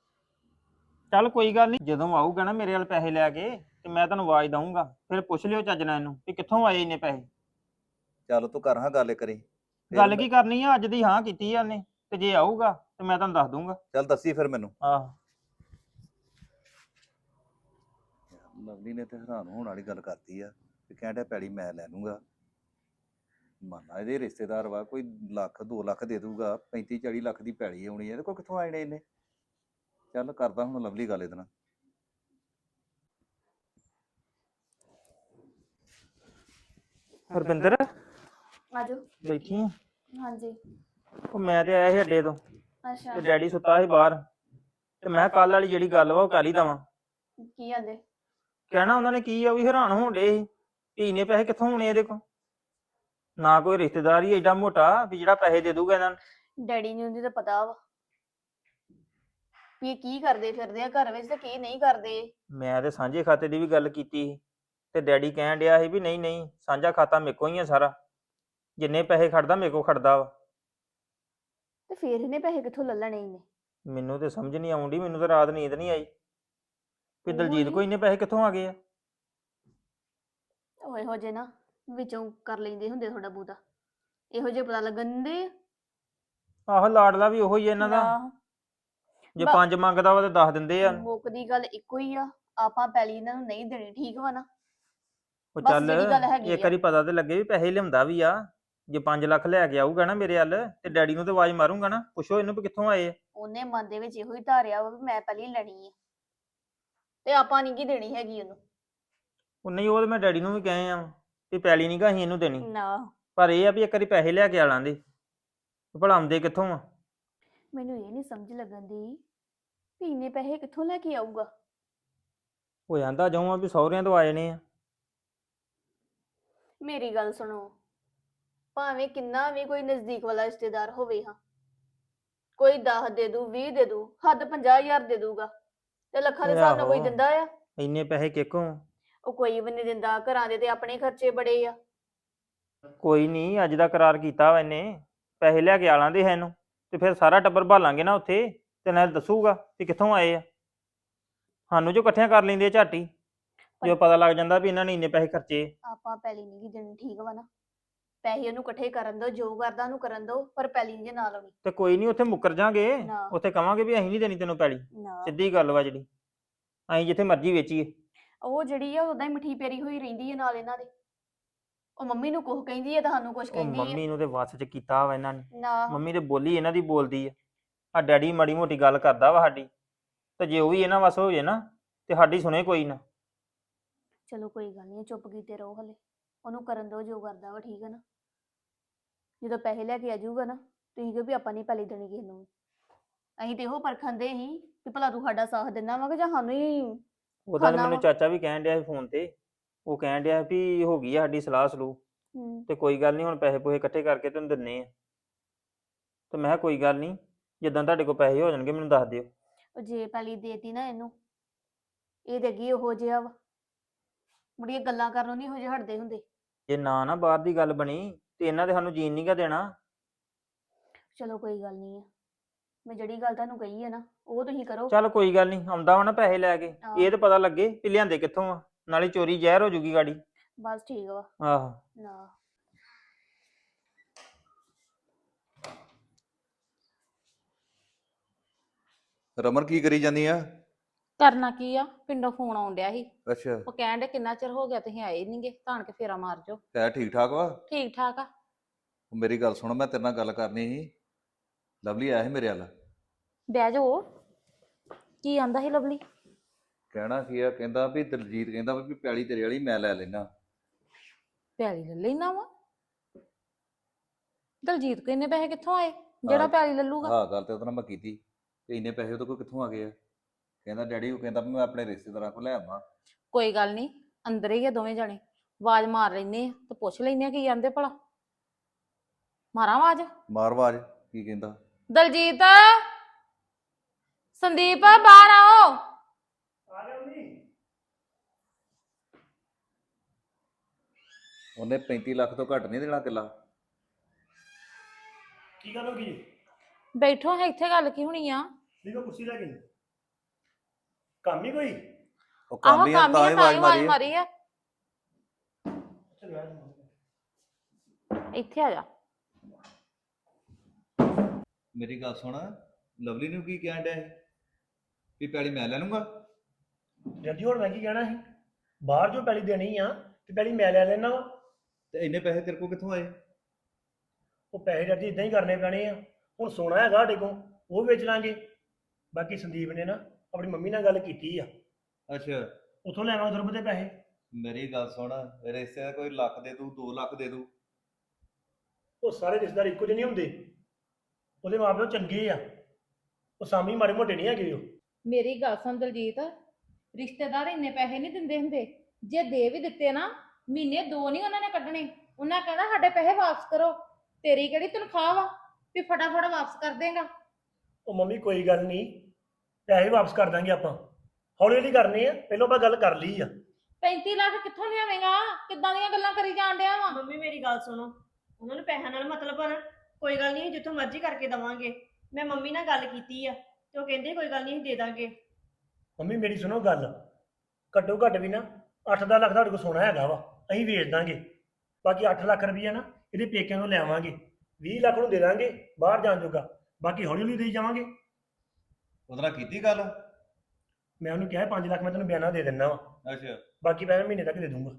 [SPEAKER 1] ਚੱਲ ਕੋਈ ਗੱਲ ਨਹੀਂ, ਜਦੋਂ ਆਊਗਾ ਨਾ ਮੇਰੇ ਵੱਲ ਪੈਸੇ ਲੈ ਕੇ ਤੇ ਮੈਂ ਤੁਹਾਨੂੰ ਆਵਾਜ਼ ਦਊਂਗਾ। ਫਿਰ ਪੁੱਛ ਲਿਓ ਚੱਜ ਨਾਲ ਇਹਨੂੰ ਵੀ ਕਿੱਥੋਂ ਆਏ ਇੰਨੇ ਪੈਸੇ।
[SPEAKER 2] ਚੱਲ ਤੂੰ ਕਰ ਹਾਂ ਗੱਲ ਕਰੀ। ਫਿਰ
[SPEAKER 1] ਗੱਲ
[SPEAKER 2] ਮੈਂ-
[SPEAKER 1] ਕੀ ਕਰਨੀ ਆ? ਅੱਜ ਦੀ ਹਾਂ ਕੀਤੀ ਆ ਉਹਨੇ ਤੇ ਜੇ ਆਊਗਾ ਤੇ ਮੈਂ ਤੁਹਾਨੂੰ ਦੱਸ ਦੂੰਗਾ।
[SPEAKER 2] ਚੱਲ ਦੱਸੀ ਫਿਰ ਮੈਨੂੰ।
[SPEAKER 1] ਆਹ
[SPEAKER 2] ਲਵਲੀ ਨੇ ਤੇ ਹੈਰਾਨ ਹੋਣ ਵਾਲੀ ਗੱਲ ਕਰਤੀ ਆ ਕਿ ਕਹਿੰਦਾ ਪੈੜੀ ਮੈਂ ਲੈ ਲੂੰਗਾ। ਮੰਨਾ ਇਹਦੇ ਰਿਸ਼ਤੇਦਾਰ ਵਾ, ਕੋਈ ਲੱਖ ਦੋ ਲੱਖ ਦੇ ਦੂਗਾ। ਪੈਂਤੀ ਚਾਲੀ ਲੱਖ ਦੀ ਪੈੜੀ ਆਉਣੀ ਇਹਦੇ ਕੋਲ ਕਿੱਥੋਂ ਆਣੇ ਇਹਨੇ? ਚੱਲ ਕਰਦਾ ਹੁਣ ਲਵਲੀ ਗੱਲ ਇਹਦੇ ਨਾਲ।
[SPEAKER 1] ਹਰਵਿੰਦਰ
[SPEAKER 3] ਆਜੋ।
[SPEAKER 1] ਬੈਠੀ ਆ?
[SPEAKER 3] ਹਾਂਜੀ।
[SPEAKER 1] ਉਹ ਮੈਂ ਤੇ ਆਇਆ ਸੀ ਅੱਡੇ ਤੋਂ
[SPEAKER 3] ਅੱਛਾ
[SPEAKER 1] ਤੇ ਡੈਡੀ ਸੁੱਤਾ ਸੀ ਬਾਹਰ ਤੇ ਮੈਂ ਕੱਲ ਵਾਲੀ ਜਿਹੜੀ ਗੱਲ ਵਾ ਉਹ ਕਰ ਹੀ ਦਵਾਂ।
[SPEAKER 3] ਕੀ ਆਂਦੇ?
[SPEAKER 1] ਕਹਿਣਾ ਉਹਨਾਂ ਨੇ ਕੀ ਆ, ਵੀ ਹੈਰਾਨ ਹੋਣ ਡੇ ਸੀ ਵੀ ਇੰਨੇ ਪੈਸੇ ਕਿੱਥੋਂ ਆਉਣੇ ਇਹਦੇ ਕੋਲ। ਨਾ ਕੋਈ ਰਿਸ਼ਤੇਦਾਰ ਹੀ ਏਡਾ ਮੋਟਾ ਵੀ ਜਿਹੜਾ ਪੈਸੇ ਦੇ ਦੂਗਾ ਇਹਨਾਂ ਨੂੰ।
[SPEAKER 3] ਡੈਡੀ ਨੂੰ ਉਹਦੀ ਤਾਂ ਪਤਾ ਵਾ ਵੀ ਇਹ ਕੀ ਕਰਦੇ ਫਿਰਦੇ ਆ ਘਰ ਵਿੱਚ ਤੇ ਕੀ ਨਹੀਂ ਕਰਦੇ।
[SPEAKER 1] ਮੈਂ ਤੇ ਸਾਂਝੇ ਖਾਤੇ ਦੀ ਵੀ ਗੱਲ ਕੀਤੀ ਸੀ ਤੇ ਡੈਡੀ ਕਹਿਣ ਡਿਆ ਸੀ ਵੀ ਨਹੀਂ ਨਹੀਂ ਸਾਂਝਾ ਖਾਤਾ ਮੇਰੇ ਕੋਲ ਹੀ ਆ ਸਾਰਾ, ਜਿੰਨੇ ਪੈਸੇ ਖੜਦਾ ਮੇਰੇ ਕੋਲ ਖੜਦਾ ਵਾ।
[SPEAKER 3] ਤੇ ਫੇਰ ਇਹਨੇ ਪੈਸੇ ਕਿੱਥੋਂ ਲੈ ਲੈਣੇ ਇਹਨੇ?
[SPEAKER 1] ਮੈਨੂੰ ਤੇ ਸਮਝ ਨਹੀਂ ਆਉਂਦੀ। ਮੈਨੂੰ ਤਾਂ ਰਾਤ ਨੀਂਦ ਨਹੀਂ ਆਈ ਵੀ ਦਲਜੀਤ
[SPEAKER 3] ਉਹੀ।
[SPEAKER 1] ਕੋਲ ਇੰਨੇ ਪੈਸੇ ਕਿੱਥੋਂ ਆ ਗਏ ਆ।
[SPEAKER 3] ਉਹ ਇਹੋ ਜਿਹੇ ਨਾ ਵਿੱਚੋਂ ਕਰ ਲੈਂਦੇ ਹੁੰਦੇ ਥੋੜਾ ਬਹੁਤਾ, ਇਹੋ ਜਿਹੇ ਪਤਾ ਲੱਗਣ ਦੇ।
[SPEAKER 1] ਆਹੋ ਲਾਡਲਾ ਵੀ ਉਹੋ ਹੀ ਆ ਇਹਨਾਂ ਦਾ।
[SPEAKER 3] ਆਹ,
[SPEAKER 1] ਜੇ
[SPEAKER 3] ਬ-
[SPEAKER 1] ਪੰਜ ਮੰਗਦਾ ਵਾ ਤੇ ਦੱਸ ਦਿੰਦੇ ਆ।
[SPEAKER 3] ਮੁੱਕਦੀ ਗੱਲ ਇੱਕੋ ਹੀ ਆ, ਆਪਾਂ ਪੈਲੀ ਇਹਨਾਂ ਨੂੰ ਨਹੀਂ ਦੇਣੀ। ਠੀਕ ਵਾ ਨਾ?
[SPEAKER 1] ਉਹ
[SPEAKER 3] ਬਸ
[SPEAKER 1] ਚੱਲ
[SPEAKER 3] ਜਿਹੜੀ ਗੱਲ ਹੈਗੀ
[SPEAKER 1] ਇੱਕ
[SPEAKER 3] ਆ।
[SPEAKER 1] ਵਾਰੀ ਪਤਾ ਤੇ ਲੱਗੇ ਵੀ ਪੈਸੇ ਲਿਆਉਂਦਾ ਵੀ ਆ। ਜੇ ਪੰਜ ਲੱਖ ਲੈ ਕੇ ਆਊਗਾ ਨਾ ਮੇਰੇ ਵੱਲ ਤੇ ਡੈਡੀ ਨੂੰ ਤੇ ਆਵਾਜ਼ ਮਾਰੂੰਗਾ ਨਾ, ਪੁੱਛੋ ਇਹਨੂੰ ਵੀ ਕਿੱਥੋਂ ਆਏ ਆ।
[SPEAKER 3] ਉਹਨੇ ਮਨ ਦੇ ਵਿੱਚ ਇਹੋ ਹੀ ਧਾਰਿਆ ਵਾ ਵੀ ਮੈਂ ਪਹਿਲੀ ਲੈਣੀ ਆ ਤੇ ਆਪਾਂ ਨਹੀਂ ਕੀ ਦੇਣੀ ਹੈਗੀ ਉਹਨੂੰ।
[SPEAKER 1] ਉਹ ਨਹੀਂ, ਉਹ ਤੇ ਮੈਂ ਡੈਡੀ ਨੂੰ ਵੀ ਕਹੇ ਆ ਵੀ ਪੈਲੀ ਨਹੀਂ ਗਾ ਅਸੀਂ ਇਹਨੂੰ ਦੇਣੀ,
[SPEAKER 3] ਨਾ
[SPEAKER 1] ਪਰ ਇਹ ਆ ਵੀ ਇੱਕ ਵਾਰੀ ਪੈਸੇ ਲੈ ਕੇ ਆ ਲਾਂਦੇ, ਭਲਾ ਆਉਂਦੇ ਕਿੱਥੋਂ ਆ।
[SPEAKER 3] ਮੈਨੂੰ ਇਹ ਨਹੀਂ ਸਮਝ ਲੱਗਣ ਦੀ ਵੀ ਇੰਨੇ ਪੈਸੇ ਕਿੱਥੋਂ ਲੈ ਕੇ ਆਊਗਾ।
[SPEAKER 1] ਹੋ ਜਾਂਦਾ ਜਾਉਂ ਆ ਵੀ ਸਹੁਰਿਆਂ ਤੋਂ ਆਏ ਨੇ ਆ।
[SPEAKER 3] ਮੇਰੀ ਗੱਲ ਸੁਣੋ, ਭਾਵੇਂ ਕਿੰਨਾ ਵੀ ਕੋਈ ਨਜ਼ਦੀਕ ਵਾਲਾ ਰਿਸ਼ਤੇਦਾਰ ਹੋਵੇ ਹਾਂ, ਕੋਈ ਦਸ ਦੇ ਦੂ ਵੀਹ ਦੇ ਦੂ ਹੱਦ ਪੰਜਾਹ ਹਜ਼ਾਰ ਦੇ ਦੂਗਾ ਤੇ ਲੱਖਾਂ ਦੇ ਹਿਸਾਬ ਨਾਲ ਕੋਈ
[SPEAKER 1] ਆਹੋ।
[SPEAKER 3] ਦਿੰਦਾ ਆ?
[SPEAKER 1] ਇੰਨੇ ਪੈਸੇ ਕਿੱਕੋਂ?
[SPEAKER 3] ਉਹ ਕੋਈ ਵੀ ਨਹੀਂ ਦਿੰਦਾ, ਘਰਾਂ ਦੇ ਤੇ ਆਪਣੇ ਖਰਚੇ ਬੜੇ ਆ।
[SPEAKER 1] ਕੋਈ ਨਹੀਂ, ਅੱਜ ਦਾ ਕਰਾਰ ਕੀਤਾ ਵਾ ਇਹਨੇ, ਪੈਸੇ ਲੈ ਕੇ ਆ ਲਾਂਦੇ ਹੈ ਇਹਨੂੰ, ਤੇ ਫਿਰ ਸਾਰਾ ਟੱਬਰ ਭਾਲਾਂਗੇ ਨਾ ਉੱਥੇ, ਤੇ ਨਾਲ ਦੱਸੂਗਾ ਕਿ ਕਿੱਥੋਂ ਆਏ ਆ। ਸਾਨੂੰ ਜੋ ਇਕੱਠਿਆਂ ਕਰ ਲੈਂਦੇ ਆ ਝਾਟੀ, ਜੋ ਪਤਾ ਲੱਗ ਜਾਂਦਾ ਵੀ ਇਹਨਾਂ ਨੇ ਇੰਨੇ ਪੈਸੇ ਖਰਚੇ।
[SPEAKER 3] ਆਪਾਂ ਪੈਲੀ ਨਹੀਂ ਗੀ ਦੇਣੀ, ਠੀਕ ਵਾ ਨਾ? ਪੈਸੇ ਉਹਨੂੰ ਇਕੱਠੇ ਕਰਨ ਦੋ, ਜੋ ਕਰਦਾ ਉਹਨੂੰ ਕਰਨ ਦੋ, ਪਰ ਪੈਲੀ ਨਹੀਂ ਨਾਲ ਆਉਣੀ।
[SPEAKER 1] ਤੇ ਕੋਈ ਨਹੀਂ, ਉੱਥੇ ਮੁੱਕਰ ਜਾਾਂਗੇ,
[SPEAKER 3] ਨਾ।
[SPEAKER 1] ਉੱਥੇ ਕਵਾਂਗੇ ਵੀ ਅਸੀਂ ਨਹੀਂ ਦੇਣੀ ਤੈਨੂੰ ਪੈਲੀ,
[SPEAKER 3] ਨਾ
[SPEAKER 1] ਸਿੱਧੀ ਗੱਲ ਵਾ ਜਿਹੜੀ, ਅਸੀਂ ਜਿੱਥੇ ਮਰਜ਼ੀ ਵੇਚੀਏ।
[SPEAKER 3] ਉਹ ਜਿਹੜੀ ਆ ਉਦਾਂ ਹੀ ਮਿੱਠੀ ਪੇਰੀ ਹੋਈ ਰਹਿੰਦੀ ਹੈ ਨਾਲ ਇਹਨਾਂ ਦੇ। ਉਹ ਮੰਮੀ ਨੂੰ ਕੁਝ ਕਹਿੰਦੀ ਹੈ ਤੇ ਸਾਨੂੰ ਕੁਝ
[SPEAKER 1] ਉਹ
[SPEAKER 3] ਕਹਿੰਦੀ ਹੈ।
[SPEAKER 1] ਮੰਮੀ ਨੂੰ ਤੇ ਵੱਸ ਚ ਕੀਤਾ ਵਾ ਇਹਨਾਂ ਨੇ,
[SPEAKER 3] ਨਾ
[SPEAKER 1] ਮੰਮੀ ਤੇ ਬੋਲੀ ਇਹਨਾਂ ਦੀ ਬੋਲਦੀ ਆ। ਆ ਡੈਡੀ ਮਾੜੀ ਮੋਟੀ ਗੱਲ ਕਰਦਾ ਵਾ ਸਾਡੀ, ਤੇ ਜੇ ਉਹ ਵੀ ਇਹਨਾਂ ਵੱਸ ਹੋ ਜੇ ਨਾ ਤੇ ਸਾਡੀ ਸੁਣੇ ਕੋਈ ਨਾ।
[SPEAKER 3] ਚਲੋ ਕੋਈ ਗੱਲ ਨਹੀਂ, ਚੁੱਪ ਕੀਤੇ ਰਹੋ ਹਲੇ, ਉਹਨੂੰ ਕਰਨ ਦੋ ਜੋ ਕਰਦਾ ਵਾ, ਠੀਕ ਹੈ ਨਾ? ਜਦੋਂ ਪੈਸੇ ਲੈ ਕੇ ਆ ਜਾਊਗਾ ਨਾ, ਤੁਸੀਂ ਕਹੋ ਵੀ ਆਪਾਂ ਨਹੀਂ ਪੈਲੀ ਦੇਣੀ ਕਿਸੇ ਨੂੰ। ਅਸੀਂ ਤੇ ਇਹੋ ਪਰਖਣ ਦੇ ਸੀ ਕਿ ਭਲਾ ਤੂੰ ਸਾਡਾ ਸਾਥ ਦਿੰਦਾ ਵਾ ਕਿ ਜਾਂ ਸਾਨੂੰ ਹੀ।
[SPEAKER 1] ਉਹਦਾ ਤਾਂ
[SPEAKER 3] ਖਾਣਾ
[SPEAKER 1] ਮੈਨੂੰ
[SPEAKER 3] ਵਾ।
[SPEAKER 1] ਚਾਚਾ ਵੀ ਕਹਿਣ ਡਿਆ ਸੀ ਫੋਨ ਤੇ, ਉਹ ਕਹਿਣ ਡਿਆ ਵੀ ਹੋ ਗਈ ਆ ਸਾਡੀ ਸਲਾਹ ਸਲੂਹ,
[SPEAKER 3] ਹੂੰ
[SPEAKER 1] ਤੇ ਕੋਈ ਗੱਲ ਨਹੀਂ, ਹੁਣ ਪੈਸੇ ਪੂਸੇ ਇਕੱਠੇ ਕਰਕੇ ਤੈਨੂੰ ਦਿੰਨੇ ਆ। ਤੇ ਮੈਂ ਕਿਹਾ ਕੋਈ ਗੱਲ ਨਹੀਂ, ਜਿੱਦਾਂ ਤੁਹਾਡੇ ਕੋਲ ਪੈਸੇ ਹੋ ਜਾਣਗੇ ਮੈਨੂੰ ਦੱਸ ਦਿਓ।
[SPEAKER 3] ਉਹ ਜੇ ਪੈਲੀ ਦੇਤੀ ਨਾ ਇਹਨੂੰ, ਇਹ ਤੇ ਅੱਗੇ ਉਹੋ ਜਿਹਾ ਵਾ, ਮੁੜੀਆਂ ਗੱਲਾਂ ਕਰਨੋਂ ਨਹੀਂ ਇਹੋ ਜਿਹੇ ਹਟਦੇ ਹੁੰਦੇ।
[SPEAKER 1] ਜੇ ਨਾ ਨਾ ਬਾਹਰ ਦੀ ਗੱਲ ਬਣੀ ਤੇ ਇਹਨਾਂ ਦੇ ਸਾਨੂੰ ਜੀਣ ਨਹੀਂ ਗਾ ਦੇਣਾ।
[SPEAKER 3] ਚਲੋ ਕੋਈ ਗੱਲ ਨਹੀਂ ਆ, ਮੈਂ ਜਿਹੜੀ ਗੱਲ ਤੁਹਾਨੂੰ ਕਹੀ ਹੈ ਨਾ ਉਹ ਤੁਸੀਂ ਕਰੋ।
[SPEAKER 1] ਚੱਲ ਕੋਈ ਗੱਲ ਨਹੀਂ, ਆਉਂਦਾ ਵਾ ਨਾ ਪੈਸੇ ਲੈ ਕੇ,
[SPEAKER 3] ਹਾਂ।
[SPEAKER 1] ਇਹ ਤਾਂ ਪਤਾ ਲੱਗੇ ਵੀ ਲਿਆਂਦੇ ਕਿੱਥੋਂ ਆ, ਨਾਲੇ ਚੋਰੀ ਜ਼ਹਿਰ ਹੋ ਜੂਗੀ ਗਾੜੀ।
[SPEAKER 3] ਬਸ ਠੀਕ ਵਾ।
[SPEAKER 1] ਆਹੋ।
[SPEAKER 3] ਨਾ
[SPEAKER 2] ਰਮਨ ਕੀ ਕਰੀ ਜਾਂਦੀ ਆ?
[SPEAKER 6] ਕਰਨਾ ਕੀ ਆ, ਪਿੰਡੋਂ ਫੋਨ ਆਉਣ ਡਿਆ ਸੀ।
[SPEAKER 2] ਅੱਛਾ,
[SPEAKER 6] ਉਹ ਕਹਿਣ ਦੇ ਕਿੰਨਾ ਚਿਰ ਹੋ ਗਿਆ ਤੁਸੀਂ ਆਏ ਨਹੀਂਗੇ, ਧਾਣ ਕੇ ਫੇਰਾ ਮਾਰ ਜਾਓ।
[SPEAKER 2] ਹੈ ਠੀਕ ਠਾਕ ਵਾ?
[SPEAKER 6] ਠੀਕ ਠਾਕ ਆ।
[SPEAKER 2] ਉਹ ਮੇਰੀ ਗੱਲ ਸੁਣ, ਮੈਂ ਤੇਰੇ ਨਾਲ ਗੱਲ ਕਰਨੀ ਸੀ। ਲਵਲੀ ਆਇਆ ਸੀ ਮੇਰੇ ਵੱਲ।
[SPEAKER 6] ਬਹਿ ਜਾਓ। ਕੀ ਆਂਦਾ ਸੀ ਲਵਲੀ?
[SPEAKER 2] ਕਹਿਣਾ ਕੀ ਆ, ਕਹਿੰਦਾ ਵੀ ਦਲਜੀਤ ਕਹਿੰਦਾ ਵੀ ਪੈਲੀ ਤੇਰੇ ਵਾਲੀ ਮੈਂ ਲੈ ਲੈਣਾ।
[SPEAKER 6] ਪੈਲੀ ਲੈ ਲੈਣਾ ਵਾ? ਦਲਜੀਤ ਕੋ ਇੰਨੇ ਪੈਸੇ ਕਿੱਥੋਂ ਆਏ ਜਿਹੜਾ ਪੈਲੀ ਲੱਲੂਗਾ?
[SPEAKER 2] ਹਾਂ, ਗੱਲ ਤੇ ਉਹਦੇ ਨਾਲ ਮੈਂ ਕੀਤੀ ਤੇ ਇੰਨੇ ਪੈਸੇ ਉਹਦੇ ਕੋਲ ਕਿੱਥੋਂ ਆ ਗਏ ਆ? ਕਹਿੰਦਾ ਡੈਡੀ, ਉਹ ਕਹਿੰਦਾ ਵੀ ਮੈਂ ਆਪਣੇ ਰਿਸ਼ਤੇਦਾਰਾਂ ਕੋਲ ਲੈ ਆਵਾਂ।
[SPEAKER 6] ਕੋਈ ਗੱਲ ਨਹੀਂ, ਅੰਦਰ ਹੀ ਆ ਦੋਵੇਂ ਜਣੇ, ਆਵਾਜ਼ ਮਾਰ ਲੈਨੇ ਆ ਤੇ ਪੁੱਛ ਲੈਨੇ ਆ ਕੀ ਆਂਦੇ ਭਲਾ। ਮਾਰਾਂ ਆਵਾਜ਼?
[SPEAKER 2] ਮਾਰ ਆਵਾਜ਼, ਕੀ ਕਹਿੰਦਾ?
[SPEAKER 6] ਦਲਜੀਤ, ਸੰਦੀਪ ਬਾਹਰ ਆਓ।
[SPEAKER 2] ਉਹਨੇ ਪੈਂਤੀ ਲੱਖ ਤੋਂ ਘੱਟ ਨਹੀਂ ਦੇਣਾ ਕਿੱਲਾ।
[SPEAKER 5] ਕੀ ਗੱਲ ਹੋ ਗਈ?
[SPEAKER 6] ਬੈਠੋ, ਹੈ ਇੱਥੇ ਗੱਲ ਕੀ ਹੋਣੀ ਆ?
[SPEAKER 5] ਨਹੀਂ ਮੈਂ ਕੁਰਸੀ ਲੈ ਕੇ ਕੰਮ ਹੀ ਕੋਈ?
[SPEAKER 2] ਉਹ
[SPEAKER 6] ਆਹੋ
[SPEAKER 2] ਕੰਮ ਹੀ ਆ,
[SPEAKER 6] ਕੰਮ
[SPEAKER 2] ਤਾਂ
[SPEAKER 6] ਹੀ
[SPEAKER 2] ਹੀ
[SPEAKER 6] ਆ, ਤਾਂ ਹੀ
[SPEAKER 2] ਆਵਾਜ਼
[SPEAKER 6] ਆਵਾਜ਼
[SPEAKER 2] ਮਾਰੀ ਆ।
[SPEAKER 6] ਮਾਰੀ ਆ।
[SPEAKER 5] ਚਲ ਆ
[SPEAKER 6] ਇੱਥੇ ਆ ਜਾ।
[SPEAKER 2] ਮੇਰੀ ਗੱਲ ਸੁਣ, ਲਵਲੀ ਨੂੰ ਕੀ ਕਹਿਣ ਡਿਆ ਸੀ ਵੀ ਪੈਲੀ ਮੈਂ ਲੈ ਲੂੰਗਾ?
[SPEAKER 5] ਜੱਦੀ ਹੁਣ ਮੈਂ ਕੀ ਕਹਿਣਾ ਸੀ, ਬਾਹਰ ਜੋ ਪੈਲੀ ਦੇਣੀ ਆ ਤੇ ਪੈਲੀ ਮੈਂ ਲੈ ਲੈਣਾ ਵਾ।
[SPEAKER 2] ਤੇ ਇੰਨੇ ਪੈਸੇ ਤੇਰੇ ਕੋਲ ਕਿੱਥੋਂ ਆਏ?
[SPEAKER 5] ਉਹ ਪੈਸੇ ਜੱਦੀ ਇਦਾਂ ਹੀ ਕਰਨੇ ਪੈਣੇ ਆ। ਹੁਣ ਸੋਨਾ ਹੈਗਾ ਸਾਡੇ ਕੋਲ, ਉਹ ਵੇਚ ਲਾਂਗੇ। ਬਾਕੀ ਸੰਦੀਪ ਨੇ ਨਾ ਆਪਣੀ ਮੰਮੀ ਨਾਲ ਗੱਲ ਕੀਤੀ ਆ,
[SPEAKER 2] ਅੱਛਾ,
[SPEAKER 5] ਉੱਥੋਂ ਲੈ ਆਵਾਂਗੇ ਦੁਰਬ ਦੇ ਪੈਸੇ।
[SPEAKER 2] ਮੇਰੀ ਗੱਲ ਸੁਣ, ਰਿਸ਼ਤੇ ਦਾ ਕੋਈ ਲੱਖ ਦੇ ਦੂ, ਦੋ ਲੱਖ ਦੇ ਦੂ।
[SPEAKER 5] ਉਹ ਸਾਰੇ ਰਿਸ਼ਤੇਦਾਰ ਇੱਕੋ ਜਿਹੇ ਨਹੀਂ ਹੁੰਦੇ, ਉਹਦੇ ਮਾਂ ਪਿਓ ਚੰਗੇ ਆ, ਉਹ ਸਾਮੀ ਮਾੜੇ ਮੋਟੇ ਨਹੀਂ ਹੈਗੇ ਉਹ।
[SPEAKER 6] ਮੇਰੀ ਗੱਲ ਸੁਣ ਦਲਜੀਤ, ਰਿਸ਼ਤੇਦਾਰ ਇੰਨੇ ਪੈਸੇ ਨਹੀਂ ਦਿੰਦੇ ਹੁੰਦੇ। ਜੇ ਦੇ ਵੀ ਦਿੱਤੇ ਨਾ, ਮਹੀਨੇ ਦੋ ਨਹੀਂ ਉਹਨਾਂ ਨੇ ਕੱਢਣੇ। ਉਹਨਾਂ ਕਹਿੰਦਾ ਸਾਡੇ ਪੈਸੇ ਵਾਪਸ ਕਰੋ। ਤੇਰੀ ਕਿਹੜੀ ਤਨਖਾਹ ਵਾ ਵੀ ਫਟਾਫਟ ਵਾਪਸ ਕਰ ਦੇਗਾ?
[SPEAKER 5] ਉਹ ਮੰਮੀ ਕੋਈ ਗੱਲ ਨਹੀਂ, ਪੈਸੇ ਵਾਪਸ ਕਰ ਦਾਂਗੇ ਆਪਾਂ, ਹੌਲੀ ਹੌਲੀ ਕਰਨੇ ਆ, ਪਹਿਲਾਂ ਆਪਾਂ ਗੱਲ ਕਰ ਲਈ ਆ।
[SPEAKER 6] ਪੈਂਤੀ ਲੱਖ ਕਿੱਥੋਂ ਲਿਆਵੇਂਗਾ? ਕਿੱਦਾਂ ਦੀਆਂ ਗੱਲਾਂ ਕਰੀ ਜਾਣ ਡਿਆ ਵਾ?
[SPEAKER 4] ਮੰਮੀ ਮੇਰੀ ਗੱਲ ਸੁਣੋ, ਉਹਨਾਂ ਨੂੰ ਪੈਸਿਆਂ ਨਾਲ ਮਤਲਬ ਆ ਨਾ। ਕੋਈ ਗੱਲ ਨਹੀਂ, ਜਿੱਥੋਂ ਮਰਜ਼ੀ ਕਰਕੇ ਦਵਾਂਗੇ। ਮੈਂ ਮੰਮੀ ਨਾਲ ਗੱਲ ਕੀਤੀ ਆ ਤੇ ਉਹ ਕਹਿੰਦੇ ਕੋਈ ਗੱਲ ਨਹੀਂ, ਅਸੀਂ ਦੇ ਦਾਂਗੇ।
[SPEAKER 5] ਮੰਮੀ ਮੇਰੀ ਸੁਣੋ ਗੱਲ, ਘੱਟੋ ਘੱਟ ਵੀ ਨਾ ਅੱਠ ਦਸ ਲੱਖ ਤੁਹਾਡੇ ਕੋਲ ਸੋਨਾ ਹੈਗਾ ਵਾ, ਅਸੀਂ ਵੇਚ ਦਾਂਗੇ। ਬਾਕੀ ਅੱਠ ਲੱਖ ਰੁਪਈਆ ਨਾ ਇਹਦੇ ਪੇਕਿਆਂ ਨੂੰ ਲੈ ਆਵਾਂਗੇ, ਵੀਹ ਲੱਖ ਨੂੰ ਦੇ ਦਾਂਗੇ ਬਾਹਰ ਜਾਣ ਜੋਗਾ, ਬਾਕੀ ਹੌਲੀ ਹੌਲੀ ਦੇਈ ਜਾਵਾਂਗੇ।
[SPEAKER 2] ਉਹਦੇ ਨਾਲ ਕੀਤੀ ਗੱਲ?
[SPEAKER 5] ਮੈਂ ਉਹਨੂੰ ਕਿਹਾ ਪੰਜ ਲੱਖ ਮੈਂ ਤੈਨੂੰ ਬਿਆਨਾ ਦੇ ਦਿੰਦਾ ਵਾ,
[SPEAKER 2] ਅੱਛਾ,
[SPEAKER 5] ਬਾਕੀ ਪੈਸੇ ਮਹੀਨੇ ਤੱਕ ਦੇ ਦੂੰਗਾ।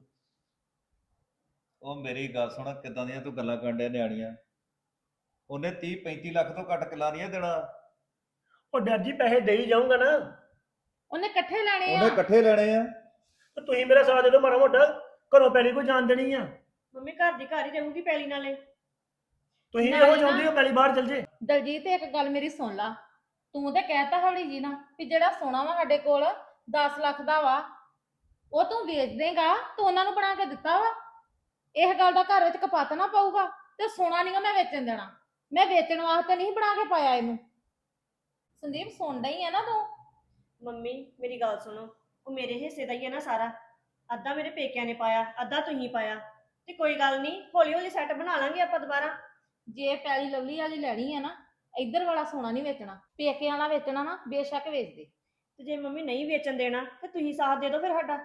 [SPEAKER 2] ਉਹ ਮੇਰੀ ਗੱਲ ਸੁਣ, ਕਿੱਦਾਂ ਦੀਆਂ ਤੂੰ ਗੱਲਾਂ ਕਰਨ ਡਿਆ ਨਿਆਣੀਆਂ? ਉਹਨੇ ਤੀਹ ਪੈਂਤੀ ਲੱਖ ਤੋਂ ਘੱਟ ਕਿੱਲਾ ਨਹੀਂ ਦੇਣਾ।
[SPEAKER 5] ਉਹ ਡਰ ਜੀ ਪੈਸੇ ਦੇ ਹੀ ਜਾਊਂਗਾ ਨਾ।
[SPEAKER 6] ਉਹਨੇ ਇਕੱਠੇ ਲੈਣੇ
[SPEAKER 2] ਉਹਨੇ
[SPEAKER 6] ਆ
[SPEAKER 2] ਇਕੱਠੇ ਲੈਣੇ ਆ।
[SPEAKER 5] ਤੇ ਤੁਸੀਂ ਮੇਰਾ ਸਾਥ ਦੇ ਦਿਓ ਮਾੜਾ ਮੋਟਾ, ਘਰੋਂ ਪੈਲੀ ਕੋਈ ਜਾਣ ਦੇਣੀ ਆ।
[SPEAKER 4] ਮੰਮੀ ਘਰ ਦੀ ਘਰ ਹੀ ਰਹੂਗੀ ਪੈਲੀ ਨਾਲੇ।
[SPEAKER 5] ਤੁਸੀਂ
[SPEAKER 6] ਨਾਲੇ
[SPEAKER 5] ਇਹੋ
[SPEAKER 6] ਨਾ-
[SPEAKER 5] ਚਾਹੁੰਦੇ ਹੋ ਪੈਲੀ ਬਾਹਰ ਚਲ ਜੇ।
[SPEAKER 6] ਦਲਜੀਤ ਇੱਕ ਗੱਲ ਮੇਰੀ ਸੁਣ ਲਾ, ਤੂੰ ਤੇ ਕਹਿਤਾ ਹੌਲੀ ਜੀ ਨਾ ਵੀ ਜਿਹੜਾ ਸੋਨਾ ਵਾ ਸਾਡੇ ਕੋਲ ਦਸ ਲੱਖ ਦਾ ਵਾ ਉਹ ਤੂੰ ਵੇਚ ਦੇਂਗਾ, ਤੂੰ ਉਹਨਾਂ ਨੂੰ ਬਣਾ ਕੇ ਦਿੱਤਾ ਵਾ। ਇਹ ਗੱਲ ਦਾ ਘਰ ਵਿੱਚ ਕਪੱਤ ਨਾ ਪਊਗਾ ਤੇ ਸੋਨਾ ਨਹੀਂ ਮੈਂ ਵੇਚਣ ਦੇਣਾ। ਮੈਂ ਵੇਚਣ ਵਾਸਤੇ ਨਹੀਂ ਬਣਾ ਕੇ ਪਾਇਆ ਇਹਨੂੰ। ਸੰਦੀਪ ਸੁਣਦਾ ਹੀ ਆ ਨਾ ਤੂੰ?
[SPEAKER 4] ਮੰਮੀ ਮੇਰੀ ਗੱਲ ਸੁਣੋ, ਉਹ ਮੇਰੇ ਹਿੱਸੇ ਦਾ ਹੀ ਹੈ ਨਾ ਸਾਰਾ। ਅੱਧਾ ਮੇਰੇ ਪੇਕਿਆਂ ਨੇ ਪਾਇਆ, ਅੱਧਾ ਤੁਸੀਂ ਪਾਇਆ, ਤੇ ਕੋਈ ਗੱਲ ਨਹੀਂ, ਹੌਲੀ ਹੌਲੀ ਸੈੱਟ ਬਣਾ ਲਾਂਗੇ ਆਪਾਂ ਦੁਬਾਰਾ।
[SPEAKER 6] ਜੇ ਪੈਲੀ ਲਵਲੀ ਵਾਲੀ ਲੈਣੀ ਆ ਨਾ, ਇੱਧਰ ਵਾਲਾ ਸੋਨਾ ਨਹੀਂ ਵੇਚਣਾ, ਪੇਕੇ ਵਾਲਾ ਵੇਚਣਾ ਨਾ ਬੇਸ਼ੱਕ ਵੇਚ ਦੇ।
[SPEAKER 4] ਤੇ ਜੇ ਮੰਮੀ ਨਹੀਂ ਵੇਚਣ ਦੇਣਾ ਤੇ ਤੁਸੀਂ ਸਾਥ ਦੇ ਦਿਓ ਫਿਰ ਸਾਡਾ।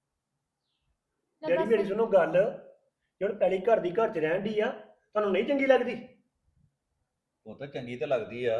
[SPEAKER 6] ਲੈ
[SPEAKER 5] ਡੈਡੀ
[SPEAKER 6] ਦੱਸ।
[SPEAKER 5] ਮੇਰੀ ਸੁਣੋ ਗੱਲ, ਜੇ ਹੁਣ ਪੈਲੀ ਘਰ ਦੀ ਘਰ ਚ ਰਹਿਣ ਦੀ ਆ, ਤੁਹਾਨੂੰ ਨਹੀਂ ਚੰਗੀ ਲੱਗਦੀ?
[SPEAKER 2] ਉਹ ਤਾਂ ਚੰਗੀ ਤੇ ਲੱਗਦੀ ਆ।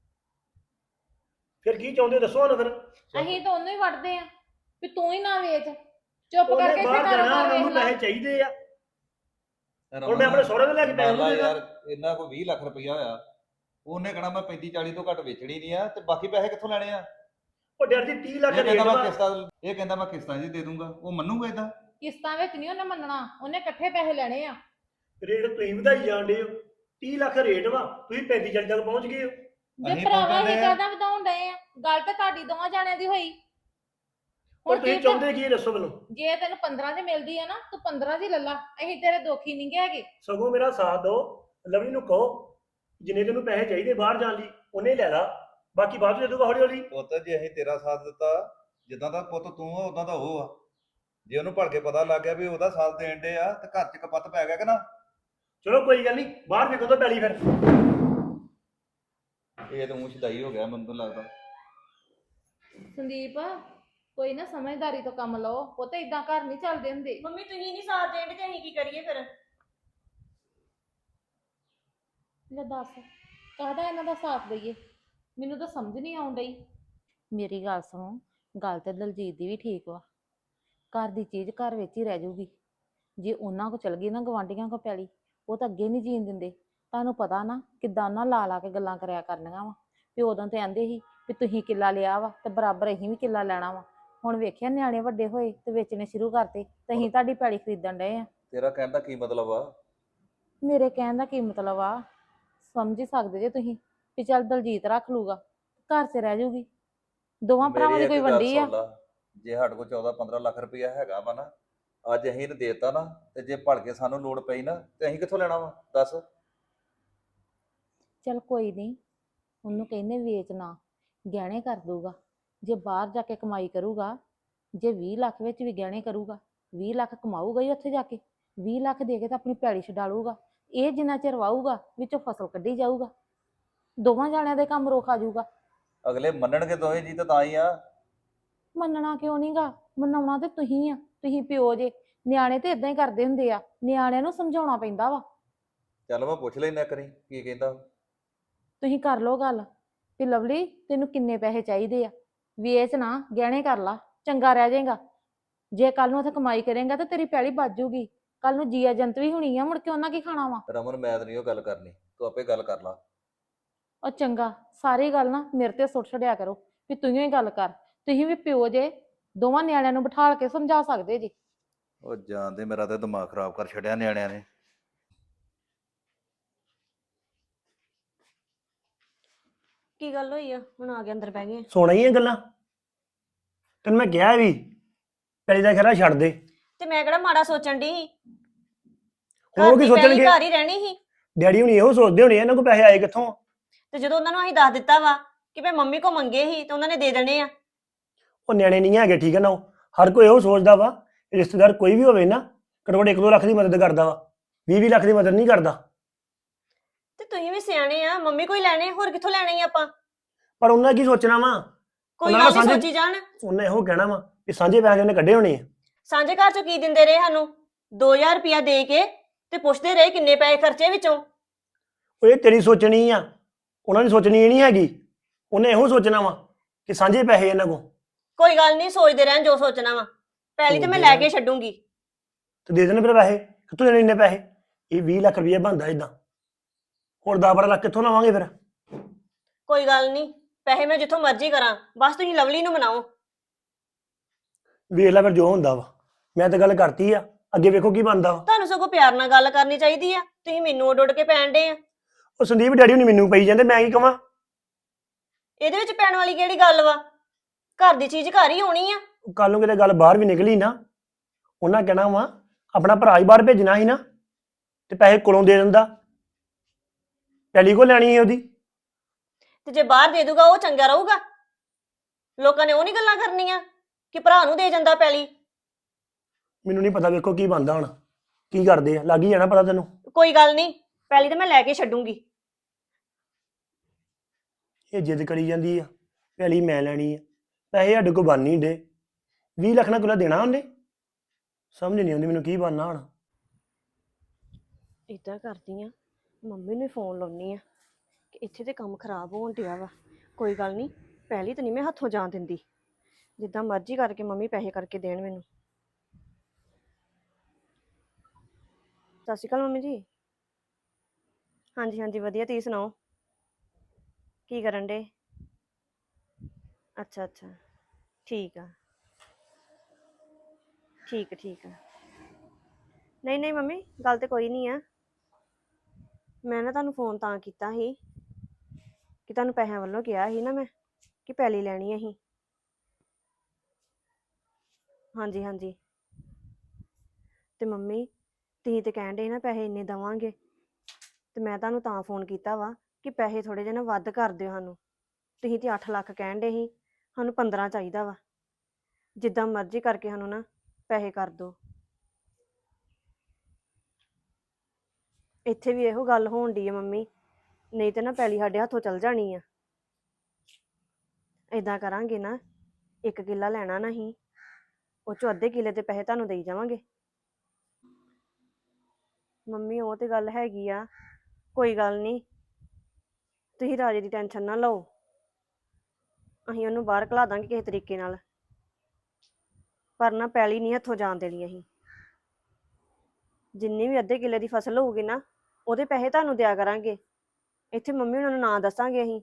[SPEAKER 5] ਫਿਰ ਕੀ ਚਾਹੁੰਦੇ ਹੋ ਦੱਸੋ ਸਾਨੂੰ ਫਿਰ।
[SPEAKER 6] ਅਸੀਂ ਤਾਂ ਉਹਨੂੰ ਹੀ ਵੜਦੇ ਆ ਵੀ ਤੂੰ ਹੀ ਨਾ ਵੇਚ, ਚੁੱਪ
[SPEAKER 5] ਉਹਨੇ
[SPEAKER 6] ਕਰਕੇ ਇੱਥੇ
[SPEAKER 5] ਬਾਹਰ ਜਾਣਾ,
[SPEAKER 6] ਕਾਰੋਬਾਰ
[SPEAKER 5] ਉਹਨਾਂ ਨੂੰ
[SPEAKER 6] ਵੇਖ ਲੈ।
[SPEAKER 5] ਪੈਸੇ ਚਾਹੀਦੇ ਆ। ਹੁਣ
[SPEAKER 2] ਰਮਨ,
[SPEAKER 5] ਮੈਂ ਆਪਣੇ ਸਹੁਰੇ ਤੋਂ ਲੈ ਕੇ ਪੈਸੇ
[SPEAKER 2] ਮੰਨ ਲਾ
[SPEAKER 5] ਉਹਨੂੰ ਦੇਣਾ।
[SPEAKER 2] ਯਾਰ ਇਹਨਾਂ ਕੋਲ ਵੀਹ ਲੱਖ ਰੁਪਈਆ ਹੋਇਆ, ਉਹਨੇ ਕਹਣਾ ਮੈਂ ਪੈਂਤੀ ਚਾਲੀ ਤੋਂ ਘੱਟ ਵੇਚਣੀ ਨਹੀਂ ਆ, ਤੇ ਬਾਕੀ ਪੈਸੇ ਕਿੱਥੋਂ ਲੈਣੇ ਆ?
[SPEAKER 5] ਉਹ ਡੈਡੀ ਜੀ ਤੀਹ ਲੱਖ
[SPEAKER 2] ਇਹ
[SPEAKER 5] ਰੇਟ
[SPEAKER 2] ਕਹਿੰਦਾ ਮੈਂ
[SPEAKER 5] ਵਾ।
[SPEAKER 2] ਕਿਸ਼ਤਾਂ ਇਹ ਕਹਿੰਦਾ ਮੈਂ ਕਿਸ਼ਤਾਂ 'ਚ ਦੇ ਦੂੰਗਾ, ਉਹ ਮੰਨੂਗਾ ਇਦਾਂ?
[SPEAKER 6] ਕਿਸ਼ਤਾਂ ਵਿੱਚ ਨਹੀਂ ਉਹਨੇ ਮੰਨਣਾ, ਉਹਨੇ ਇਕੱਠੇ ਪੈਸੇ ਲੈਣੇ ਆ।
[SPEAKER 5] ਰੇਟ ਤੁਸੀਂ ਵਧਾਈ ਜਾਂਦੇ ਹੋ। ਤੀਹ ਲੱਖ ਰੇਟ ਵਾ, ਤੁਸੀਂ ਪੈਂਤੀ ਚਾਲੀ ਤੱਕ ਪਹੁੰਚ ਗਏ ਹੋ।
[SPEAKER 6] ਜੇ
[SPEAKER 2] ਅਸੀਂ
[SPEAKER 6] ਭਰਾਵਾ
[SPEAKER 2] ਪਹੁੰਚਦੇ
[SPEAKER 6] ਇਹ
[SPEAKER 2] ਆ।
[SPEAKER 6] ਕਹਦਾ ਵਧਾਉਣ ਡਏ ਆ, ਗੱਲ ਤਾਂ ਤੁਹਾਡੀ ਦੋਵਾਂ ਜਾਣਿਆਂ ਦੀ ਹੋਈ।
[SPEAKER 5] ਹੁਣ
[SPEAKER 6] ਹੁਣ
[SPEAKER 5] ਤੁਸੀਂ
[SPEAKER 6] ਕੀ
[SPEAKER 5] ਚਾਹੁੰਦੇ ਕੀ ਇਹ ਦੱਸੋ ਮੈਨੂੰ।
[SPEAKER 6] ਜੇ ਤੈਨੂੰ ਪੰਦਰਾਂ ਦੀ ਮਿਲਦੀ ਆ ਨਾ, ਤੂੰ ਪੰਦਰਾਂ ਦੀ ਲੈ ਲਾ, ਅਸੀਂ ਤੇਰੇ ਦੋਖੀ ਨਹੀਂ ਗੇ ਹੈਗੇ।
[SPEAKER 5] ਸਗੋਂ ਮੇਰਾ ਸਾਥ ਦਿਓ, ਲਵਲੀ ਨੂੰ ਕਹੋ ਜਿੰਨੇ ਤੈਨੂੰ ਪੈਸੇ ਚਾਹੀਦੇ ਬਾਹਰ ਜਾਣ ਲਈ ਉਹਨੇ ਲੈ ਲਾ, ਬਾਕੀ ਬਾਅਦ ਚ ਦੇ ਦੂਗਾ ਹੌਲੀ ਹੌਲੀ।
[SPEAKER 2] ਪੁੱਤ ਜੇ ਅਸੀਂ ਤੇਰਾ ਸਾਥ ਦਿੱਤਾ, ਜਿੱਦਾਂ ਦਾ ਪੁੱਤ ਤੂੰ ਆ ਉਦਾਂ ਦਾ ਉਹ ਆ। ਜੇ ਉਹਨੂੰ ਭੜ ਕੇ ਪਤਾ ਲੱਗ ਗਿਆ ਵੀ ਉਹਦਾ ਸਾਥ ਦੇਣ ਦੇ ਆ, ਤੇ ਘਰ 'ਚ ਕਪੱਤ ਪੈ ਗਿਆ ਕਿ ਨਾ?
[SPEAKER 5] ਚਲੋ ਕੋਈ ਗੱਲ ਨਹੀਂ, ਬਾਹਰ ਵੇਖੋ ਤਾਂ ਪੈਲੀ ਫਿਰ।
[SPEAKER 2] ਇਹ ਤਾਂ ਊਂ ਸ਼ਦਾਈ ਹੋ ਗਿਆ ਮੈਨੂੰ ਤਾਂ ਲੱਗਦਾ।
[SPEAKER 6] ਸੰਦੀਪ ਕੋਈ ਨਾ ਸਮਝਦਾਰੀ ਤੋਂ ਕੰਮ ਲਓ, ਉਹ ਤੇ ਇਦਾਂ ਘਰ ਨਹੀਂ ਚੱਲਦੇ ਹੁੰਦੇ।
[SPEAKER 4] ਮੰਮੀ ਤੁਸੀਂ ਨਹੀਂ ਸਾਥ ਦੇਣ ਤੇ ਅਸੀਂ ਕੀ ਕਰੀਏ ਫਿਰ?
[SPEAKER 6] ਲੈ ਦੱਸ ਕਾਹਦਾ ਇਹਨਾਂ ਦਾ ਸਾਥ ਦਈਏ, ਮੈਨੂੰ ਤਾਂ ਸਮਝ ਨਹੀਂ ਆਉਣ ਡਈ। ਮੇਰੀ ਗੱਲ ਸੁਣੋ, ਗੱਲ ਤੇ ਦਲਜੀਤ ਦੀ ਵੀ ਠੀਕ ਵਾ। ਘਰ ਦੀ ਚੀਜ਼ ਘਰ ਵਿੱਚ ਹੀ ਰਹਿ ਜਾਊਗੀ। ਜੇ ਉਹਨਾਂ ਕੋ ਚਲ ਗਈ ਨਾ ਗਵਾਂਢੀਆਂ ਕੋ ਪੈਲੀ, ਉਹ ਤਾਂ ਅੱਗੇ ਨਹੀਂ ਜੀਣ ਦਿੰਦੇ। ਤੁਹਾਨੂੰ ਪਤਾ ਨਾ ਕਿੱਦਾਂ ਉਹਨਾਂ ਲਾ ਲਾ ਕੇ ਗੱਲਾਂ ਕਰਿਆ ਕਰਨੀਆਂ ਵਾ ਵੀ ਉਦੋਂ ਤੇ ਆਂਦੇ ਸੀ ਵੀ ਤੁਸੀਂ ਕਿੱਲਾ ਲਿਆ ਵਾ ਤੇ ਬਰਾਬਰ ਅਸੀਂ ਵੀ ਕਿੱਲਾ ਲੈਣਾ ਵਾ। ਹੁਣ ਵੇਖਿਆ ਨਿਆਣੇ ਵੱਡੇ ਹੋਏ ਤੇ ਵੇਚਣੇ ਸ਼ੁਰੂ ਕਰਤੇ ਤੇ ਅਸੀਂ ਤੁਹਾਡੀ ਪੈਲੀ ਖਰੀਦਣ ਡਏ ਆ।
[SPEAKER 2] ਤੇਰਾ ਕਹਿਣ ਦਾ ਕੀ ਮਤਲਬ ਆ?
[SPEAKER 6] ਮੇਰੇ ਕਹਿਣ ਦਾ ਕੀ ਮਤਲਬ ਆ, ਸਮਝ ਹੀ ਸਕਦੇ ਜੇ ਤੁਸੀਂ ਵੀ ਚੱਲ ਦਲਜੀਤ ਰੱਖ ਲੂਗਾ, ਘਰ 'ਚ ਰਹਿ ਜਾਊਗੀ। ਦੋਵਾਂ ਭਰਾਵਾਂ
[SPEAKER 2] ਮੇਰੀ
[SPEAKER 6] ਦੀ ਕੋਈ
[SPEAKER 2] ਇੱਕ ਗੱਲ
[SPEAKER 6] ਵੰਡੀ ਆ।
[SPEAKER 2] ਸੁਣ ਲਾ, ਜੇ ਸਾਡੇ ਕੋਲ ਚੌਦਾਂ ਪੰਦਰਾਂ ਲੱਖ ਰੁਪਈਆ ਹੈਗਾ ਵਾ ਨਾ, ਅੱਜ ਅਸੀਂ ਇਹਨੂੰ ਦੇਤਾ ਨਾ, ਤੇ ਜੇ ਭੜ ਕੇ ਸਾਨੂੰ ਲੋੜ ਪਈ ਨਾ, ਤੇ ਅਸੀਂ ਕਿੱਥੋਂ ਲੈਣਾ ਵਾ ਦੱਸ?
[SPEAKER 6] ਚੱਲ ਕੋਈ ਨਹੀਂ, ਉਹਨੂੰ ਕਹਿੰਦੇ ਵੇਚ ਨਾ, ਗਹਿਣੇ ਕਰ ਦੂਗਾ। ਜੇ ਬਾਹਰ ਜਾ ਕੇ ਕਮਾਈ ਕਰੂਗਾ, ਜੇ ਵੀਹ ਲੱਖ ਵਿੱਚ ਵੀ ਗਹਿਣੇ ਕਰੂਗਾ, ਵੀਹ ਲੱਖ ਕਮਾਊਗਾ ਹੀ ਉੱਥੇ ਜਾ ਕੇ। ਵੀਹ ਲੱਖ ਦੇ ਕੇ ਤਾਂ ਆਪਣੀ ਪੈਲੀ ਛਡਾਲੂਗਾ। ਇਹ ਜਿੰਨਾ ਚਿਰ ਵਾਹੂਗਾ ਵਿੱਚੋਂ ਫਸਲ ਕੱਢੀ ਜਾਊਗਾ, ਦੋਵਾਂ ਜਾਣਿਆਂ ਦੇ ਕੰਮ ਰੋਕ ਆ ਜਾਊਗਾ।
[SPEAKER 2] ਅਗਲੇ ਮੰਨਣਗੇ ਦੋਵੇਂ ਜੀ ਤਾਂ ਤਾਂ ਹੀ ਆ।
[SPEAKER 6] ਮੰਨਣਾ ਕਿਉਂ ਨਹੀਂਗਾ, ਮਨਾਉਣਾ ਤੇ ਤੁਸੀਂ ਆ, ਤੁਸੀਂ ਪਿਓ ਜੇ। ਨਿਆਣੇ ਤੇ ਇਦਾਂ ਹੀ ਕਰਦੇ ਹੁੰਦੇ ਆ, ਨਿਆਣਿਆਂ ਨੂੰ ਸਮਝਾਉਣਾ ਪੈਂਦਾ ਵਾ।
[SPEAKER 2] ਚੱਲ ਮੈਂ ਪੁੱਛ ਲੈਣਾ ਕਰੀ ਕੀ ਕਹਿੰਦਾ।
[SPEAKER 6] ਤੁਸੀਂ ਕਰ ਲਓ ਗੱਲ ਵੀ ਲਵਲੀ ਤੈਨੂੰ ਕਿੰਨੇ ਪੈਸੇ ਚਾਹੀਦੇ ਆ, ਵੇਚ ਨਾ ਗਹਿਣੇ ਕਰ ਲਾ, ਚੰਗਾ ਰਹਿ ਜਾਏਗਾ। ਜੇ ਕੱਲ ਨੂੰ ਉੱਥੇ ਕਮਾਈ ਕਰੇਗਾ ਤਾਂ ਤੇਰੀ ਪੈਲੀ ਬਚ ਜੂਗੀ। ਕੱਲ ਨੂੰ ਜੀਆ ਜੰਤ ਵੀ ਹੋਣੀ ਆ, ਮੁੜ ਕੇ ਉਹਨਾਂ ਕੀ ਖਾਣਾ ਵਾ।
[SPEAKER 2] ਰਮਨ ਮੈਂ ਤਾਂ ਨਹੀਂ ਉਹ ਗੱਲ ਕਰਨੀ, ਤੂੰ ਆਪੇ ਗੱਲ ਕਰ ਲਾ।
[SPEAKER 6] ਉਹ ਚੰਗਾ, ਸਾਰੀ ਗੱਲ ਨਾ ਮੇਰੇ ਤੇ ਸੁੱਟ ਛੱਡਿਆ ਕਰੋ ਵੀ ਤੂੰ ਹੀ ਗੱਲ ਕਰ। ਤੁਸੀਂ ਵੀ ਪਿਓ ਜੇ, ਦੋਵਾਂ ਨਿਆਣਿਆਂ ਨੂੰ ਬਿਠਾਲ ਕੇ ਸਮਝਾ ਸਕਦੇ ਜੀ।
[SPEAKER 2] ਉਹ ਜਾਣਦੇ ਮੇਰਾ ਤਾਂ ਦਿਮਾਗ ਖਰਾਬ ਕਰ ਛੱਡਿਆ ਨਿਆਣਿਆਂ ਨੇ।
[SPEAKER 4] ਕੀ ਗੱਲ ਹੋਈ ਆ? ਹੁਣ ਆ ਕੇ ਅੰਦਰ ਬਹਿ ਗਏ।
[SPEAKER 5] ਸੋਣਾ ਹੀ ਇਹ ਗੱਲਾਂ, ਤੈਨੂੰ ਮੈਂ ਕਿਹਾ ਵੀ ਪੈਲੀ ਦਾ ਖਰਾ ਛੱਡ ਦੇ।
[SPEAKER 4] ਤੇ ਮੈਂ ਕਿਹੜਾ ਮਾੜਾ ਸੋਚਣ ਦੀ ਸੀ?
[SPEAKER 5] ਉਹ ਕੀ ਸੋਚਣਗੇ?
[SPEAKER 4] ਘਰ ਹੀ ਰਹਿਣੀ ਸੀ।
[SPEAKER 5] ਡੈਡੀ ਹੁਣੀ ਇਹੋ ਸੋਚਦੇ ਹੋਣੇ ਆ, ਇਹਨਾਂ ਕੋਲ ਪੈਸੇ ਆਏ ਕਿੱਥੋਂ?
[SPEAKER 4] ਤੇ ਜਦੋਂ ਉਹਨਾਂ ਨੂੰ ਅਸੀਂ ਦੱਸ ਦਿੱਤਾ ਵਾ ਕਿ ਮੈਂ ਮੰਮੀ ਕੋ ਮੰਗੇ ਸੀ ਤੇ ਉਹਨਾਂ ਨੇ ਦੇ ਦੇਣੇ ਆ।
[SPEAKER 5] ਉਹ ਨਿਆਣੇ ਨਹੀਂ ਹੈਗੇ, ਠੀਕ ਹੈ ਨਾ? ਉਹ ਹਰ ਕੋਈ ਇਹੋ ਸੋਚਦਾ ਵਾ, ਰਿਸ਼ਤੇਦਾਰ ਕੋਈ ਵੀ ਹੋਵੇ ਨਾ, ਘੱਟੋ ਘੱਟ ਇੱਕ ਦੋ ਲੱਖ ਦੀ ਮਦਦ ਕਰਦਾ ਵਾ, ਵੀਹ ਵੀਹ ਲੱਖ ਦੀ ਮਦਦ ਨਹੀਂ ਕਰਦਾ।
[SPEAKER 4] ਤੇ ਤੁਸੀਂ ਵੀ ਸਿਆਣੇ ਆ, ਮੰਮੀ ਕੋਈ ਲੈਣੇ, ਹੋਰ ਕਿੱਥੋਂ ਲੈਣੇ ਹੀ ਆਪਾਂ?
[SPEAKER 5] ਪਰ ਉਹਨਾਂ ਕੀ ਸੋਚਣਾ ਵਾ?
[SPEAKER 4] ਕੋਈ
[SPEAKER 5] ਉਹਨਾਂ
[SPEAKER 4] ਗੱਲ
[SPEAKER 5] ਦਾ
[SPEAKER 4] ਨਹੀਂ
[SPEAKER 5] ਸਾਂਝੇ-
[SPEAKER 4] ਸੋਚੀ ਜਾਣ।
[SPEAKER 5] ਉਹਨੇ ਇਹੋ ਕਹਿਣਾ ਵਾ ਕਿ ਸਾਂਝੇ ਪੈਸੇ ਉਹਨੇ ਕੱਢੇ ਹੋਣੇ ਆ।
[SPEAKER 4] ਸਾਂਝੇ ਘਰ ਚੋਂ ਕੀ ਦਿੰਦੇ ਰਹੇ ਸਾਨੂੰ? ਦੋ ਹਜ਼ਾਰ ਰੁਪਇਆ ਦੇ ਕੇ ਤੇ ਪੁੱਛਦੇ ਰਹੇ ਕਿੰਨੇ ਪੈਸੇ ਖਰਚੇ ਵਿੱਚੋਂ।
[SPEAKER 5] ਉਹ ਇਹ ਤੇਰੀ ਸੋਚਣੀ ਆ, ਉਹਨਾਂ ਦੀ ਸੋਚਣੀ ਇਹ ਨਹੀਂ ਹੈਗੀ। ਉਹਨੇ ਇਹੋ ਸੋਚਣਾ ਵਾ ਕਿ ਸਾਂਝੇ ਪੈਸੇ ਇਹਨਾਂ ਕੋਲ।
[SPEAKER 4] ਕੋਈ ਗੱਲ ਨਹੀਂ, ਸੋਚਦੇ ਰਹਿਣ ਜੋ ਸੋਚਣਾ ਵਾ। ਪਹਿਲੀ ਤੇ ਮੈਂ ਲੈ ਕੇ ਛੱਡੂੰਗੀ।
[SPEAKER 5] ਤੇ ਦੇ ਦੇਣ ਫਿਰ ਪੈਸੇ, ਕਿੱਥੋਂ ਦੇਣੇ ਇੰਨੇ ਪੈਸੇ? ਇਹ ਵੀਹ ਲੱਖ ਰੁਪਈਆ ਬਣਦਾ ਇਦਾਂ, ਹੋਰ ਦਸ ਬਾਰਾਂ ਲੱਖ ਕਿੱਥੋਂ ਲਵਾਂਗੇ ਫਿਰ?
[SPEAKER 4] ਕੋਈ ਗੱਲ ਨਹੀਂ, ਪੈਸੇ ਮੈਂ ਜਿੱਥੋਂ ਮਰਜ਼ੀ ਕਰਾਂ, ਬਸ ਤੁਸੀਂ ਲਵਲੀ ਨੂੰ ਮਨਾਓ।
[SPEAKER 5] ਵੇਖ ਲੈ ਫਿਰ ਜੋ ਹੁੰਦਾ ਵਾ। ਮੈਂ ਤਾਂ ਗੱਲ ਕਰਤੀ ਆ, ਅੱਗੇ ਵੇਖੋ ਕੀ ਬਣਦਾ ਵਾ।
[SPEAKER 4] ਤੁਹਾਨੂੰ ਸਗੋਂ ਪਿਆਰ ਨਾਲ ਗੱਲ ਕਰਨੀ ਚਾਹੀਦੀ ਆ, ਤੁਸੀਂ ਮੈਨੂੰ ਉੱਡ ਉੱਡ ਕੇ ਪੈਣ ਡੇ ਆ।
[SPEAKER 5] ਉਹ ਸੰਦੀਪ ਡੈਡੀ ਹੁਣੀ ਮੈਨੂੰ ਪਈ ਜਾਂਦੇ, ਮੈਂ ਕੀ ਕਵਾਂ?
[SPEAKER 4] ਇਹਦੇ ਵਿੱਚ ਪੈਣ ਵਾਲੀ ਕਿਹੜੀ ਗੱਲ ਵਾ? ਘਰ ਦੀ ਚੀਜ਼ ਘਰ ਹੀ ਹੋਣੀ ਆ।
[SPEAKER 5] ਕੱਲ ਨੂੰ ਕਿਤੇ ਗੱਲ ਬਾਹਰ ਵੀ ਨਿਕਲੀ ਨਾ, ਉਹਨਾਂ ਕਹਿਣਾ ਵਾ ਆਪਣਾ ਭਰਾ ਹੀ ਬਾਹਰ ਭੇਜਣਾ ਸੀ ਨਾ, ਤੇ ਪੈਸੇ ਕੋਲੋਂ ਦੇ ਦਿੰਦਾ, ਪਹਿਲੀ ਕੋ ਲੈਣੀ ਸੀ ਉਹਦੀ।
[SPEAKER 4] ਤੇ ਜੇ ਬਾਹਰ ਦੇ ਦੂਗਾ ਉਹ ਚੰਗਾ ਰਹੂਗਾ? ਲੋਕਾਂ ਨੇ ਉਹ ਨਹੀਂ ਗੱਲਾਂ ਕਰਨੀਆਂ ਕਿ ਭਰਾ ਨੂੰ ਦੇ ਜਾਂਦਾ ਪੈਲੀ।
[SPEAKER 5] ਮੈਨੂੰ ਨਹੀਂ ਪਤਾ, ਵੇਖੋ ਕੀ ਬਣਦਾ ਹੁਣ, ਕੀ ਕਰਦੇ ਆ, ਲੱਗ ਹੀ ਜਾਣਾ ਪਤਾ ਤੈਨੂੰ।
[SPEAKER 4] ਕੋਈ ਗੱਲ ਨਹੀਂ, ਪੈਲੀ ਤਾਂ ਮੈਂ ਲੈ ਕੇ ਛੱਡੂੰਗੀ।
[SPEAKER 5] ਇਹ ਜਿੱਦ ਕਰੀ ਜਾਂਦੀ ਆ, ਪਹਿਲੀ ਮੈਂ ਲੈਣੀ ਆ, ਪੈਸੇ ਸਾਡੇ ਕੋਲ ਬਣ ਨਹੀਂ ਡੇ। ਵੀਹ ਲੱਖ ਨਾਲ ਕੁਲਾ ਦੇਣਾ ਉਹਨੇ, ਸਮਝ ਨਹੀਂ ਆਉਂਦੀ ਮੈਨੂੰ ਕੀ ਬਣਨਾ ਹੁਣ।
[SPEAKER 4] ਇਦਾਂ ਕਰਦੀ ਆ, ਮੰਮੀ ਨੂੰ ਫੋਨ ਲਾਉਣੀ ਆ ਕਿ ਇੱਥੇ ਤੇ ਕੰਮ ਖਰਾਬ ਹੋਣ ਡਿਆ ਵਾ। ਕੋਈ ਗੱਲ ਨਹੀਂ, ਪਹਿਲੀ ਤਾਂ ਨਹੀਂ ਮੈਂ ਹੱਥੋਂ ਜਾਣ ਦਿੰਦੀ, ਜਿੱਦਾਂ ਮਰਜ਼ੀ ਕਰਕੇ ਮੰਮੀ ਪੈਸੇ ਕਰਕੇ ਦੇਣ ਮੈਨੂੰ। ਸਤਿ ਸ਼੍ਰੀ ਅਕਾਲ ਮੰਮੀ ਜੀ। ਹਾਂਜੀ ਹਾਂਜੀ ਵਧੀਆ, ਤੁਸੀਂ ਸੁਣਾਓ ਕੀ ਕਰਨ ਡੇ? ਅੱਛਾ ਅੱਛਾ, ਠੀਕ ਆ ਠੀਕ ਆ ਠੀਕ ਆ। ਨਹੀਂ ਨਹੀਂ ਮੰਮੀ, ਗੱਲ ਤੇ ਕੋਈ ਨਹੀਂ ਆ। ਮੈਂ ਨਾ ਤੁਹਾਨੂੰ ਫੋਨ ਤਾਂ ਕੀਤਾ ਸੀ ਕਿ ਤੁਹਾਨੂੰ ਪੈਸਿਆਂ ਵੱਲੋਂ ਕਿਹਾ ਸੀ ਨਾ ਮੈਂ ਕਿ ਪੈਲੀ ਲੈਣੀ ਅਸੀਂ। ਹਾਂਜੀ ਹਾਂਜੀ, ਤੇ ਮੰਮੀ ਤੁਸੀਂ ਤੇ ਕਹਿਣ ਡੇ ਨਾ ਪੈਸੇ ਇੰਨੇ ਦੇਵਾਂਗੇ, ਤੇ ਮੈਂ ਤੁਹਾਨੂੰ ਤਾਂ ਫੋਨ ਕੀਤਾ ਵਾ ਕਿ ਪੈਸੇ ਥੋੜੇ ਜਿਹੇ ਨਾ ਵੱਧ ਕਰ ਦਿਓ ਸਾਨੂੰ। ਤੁਸੀਂ ਤੇ ਅੱਠ ਲੱਖ ਕਹਿਣ ਡੇ ਸੀ, ਸਾਨੂੰ ਪੰਦਰਾਂ ਚਾਹੀਦਾ ਵਾ। ਜਿੱਦਾਂ ਮਰਜ਼ੀ ਕਰਕੇ ਸਾਨੂੰ ਨਾ ਪੈਸੇ ਕਰ ਦਿਓ। ਇੱਥੇ ਵੀ ਇਹੋ ਗੱਲ ਹੋਣ ਡਈ ਆ ਮੰਮੀ, ਨਹੀਂ ਤੇ ਨਾ ਪੈਲੀ ਸਾਡੇ ਹੱਥੋਂ ਚਲ ਜਾਣੀ ਆ। ਏਦਾਂ ਕਰਾਂਗੇ ਨਾ, ਇੱਕ ਕਿੱਲਾ ਲੈਣਾ ਨਾ ਹੀ, ਉਹ ਚੋਂ ਅੱਧੇ ਕਿੱਲੇ ਦੇ ਪੈਸੇ ਤੁਹਾਨੂੰ ਦੇਈ ਜਾਵਾਂਗੇ। ਮੰਮੀ ਉਹ ਤੇ ਗੱਲ ਹੈਗੀ ਆ, ਕੋਈ ਗੱਲ ਨਹੀਂ, ਤੁਸੀਂ ਰਾਜੇ ਦੀ ਟੈਨਸ਼ਨ ਨਾ ਲਓ, ਅਸੀਂ ਉਹਨੂੰ ਬਾਹਰ ਘਲਾ ਦਾਂਗੇ ਕਿਸੇ ਤਰੀਕੇ ਨਾਲ। ਪਰ ਨਾ ਪੈਲੀ ਨਹੀਂ ਹੱਥੋਂ ਜਾਣ ਦੇਣੀ ਅਸੀਂ। ਜਿੰਨੀ ਵੀ ਅੱਧੇ ਕਿੱਲੇ ਦੀ ਫਸਲ ਹੋਊਗੀ ਨਾ, ਉਹਦੇ ਪੈਸੇ ਤੁਹਾਨੂੰ ਦਿਆ ਕਰਾਂਗੇ। ਇੱਥੇ ਮੰਮੀ ਉਹਨਾਂ ਨੂੰ ਨਾਂ ਦੱਸਾਂਗੇ ਅਸੀਂ,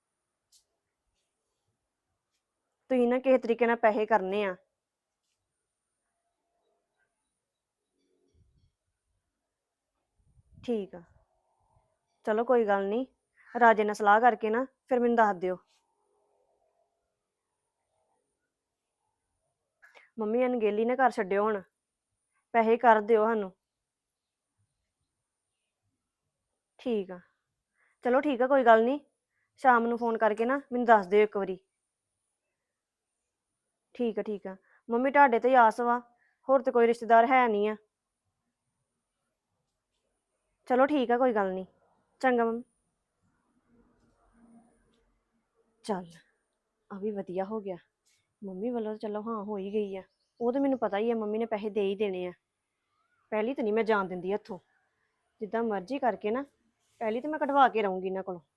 [SPEAKER 4] ਤੁਸੀਂ ਨਾ ਕਿਸੇ ਤਰੀਕੇ ਨਾਲ ਪੈਸੇ ਕਰਨੇ ਆ। ਠੀਕ ਆ, ਚਲੋ ਕੋਈ ਗੱਲ ਨਹੀਂ, ਰਾਜੇ ਨਾਲ ਸਲਾਹ ਕਰਕੇ ਨਾ ਫਿਰ ਮੈਨੂੰ ਦੱਸ ਦਿਓ। ਮੰਮੀ ਅਣਗਹਿਲੀ ਨਾ ਕਰ ਛੱਡਿਓ ਹੁਣ, ਪੈਸੇ ਕਰ ਦਿਓ ਸਾਨੂੰ। ਠੀਕ ਆ, ਚਲੋ ਠੀਕ ਆ, ਕੋਈ ਗੱਲ ਨਹੀਂ, ਸ਼ਾਮ ਨੂੰ ਫੋਨ ਕਰਕੇ ਨਾ ਮੈਨੂੰ ਦੱਸ ਦਿਓ ਇੱਕ ਵਾਰੀ। ਠੀਕ ਆ ਠੀਕ ਆ, ਮੰਮੀ ਤੁਹਾਡੇ ਤੇ ਹੀ ਆਸ ਵਾ, ਹੋਰ ਤੇ ਕੋਈ ਰਿਸ਼ਤੇਦਾਰ ਹੈ ਨਹੀਂ ਆ। ਚਲੋ ਠੀਕ ਆ, ਕੋਈ ਗੱਲ ਨਹੀਂ, ਚੰਗਾ ਮੰਮੀ। ਚੱਲ ਆ ਵੀ ਵਧੀਆ ਹੋ ਗਿਆ, ਮੰਮੀ ਵੱਲੋਂ ਤਾਂ ਚਲੋ ਹਾਂ ਹੋ ਹੀ ਗਈ ਆ। ਉਹ ਤਾਂ ਮੈਨੂੰ ਪਤਾ ਹੀ ਆ ਮੰਮੀ ਨੇ ਪੈਸੇ ਦੇ ਹੀ ਦੇਣੇ ਆ। ਪਹਿਲੀ ਤਾਂ ਨਹੀਂ ਮੈਂ ਜਾਣ ਦਿੰਦੀ ਹੱਥੋਂ, ਜਿੱਦਾਂ ਮਰਜ਼ੀ ਕਰਕੇ ਨਾ ਪਹਿਲੀ ਤਾਂ ਮੈਂ ਕਢਵਾ ਕੇ ਰਹੂੰਗੀ ਇਹਨਾਂ ਕੋਲੋਂ।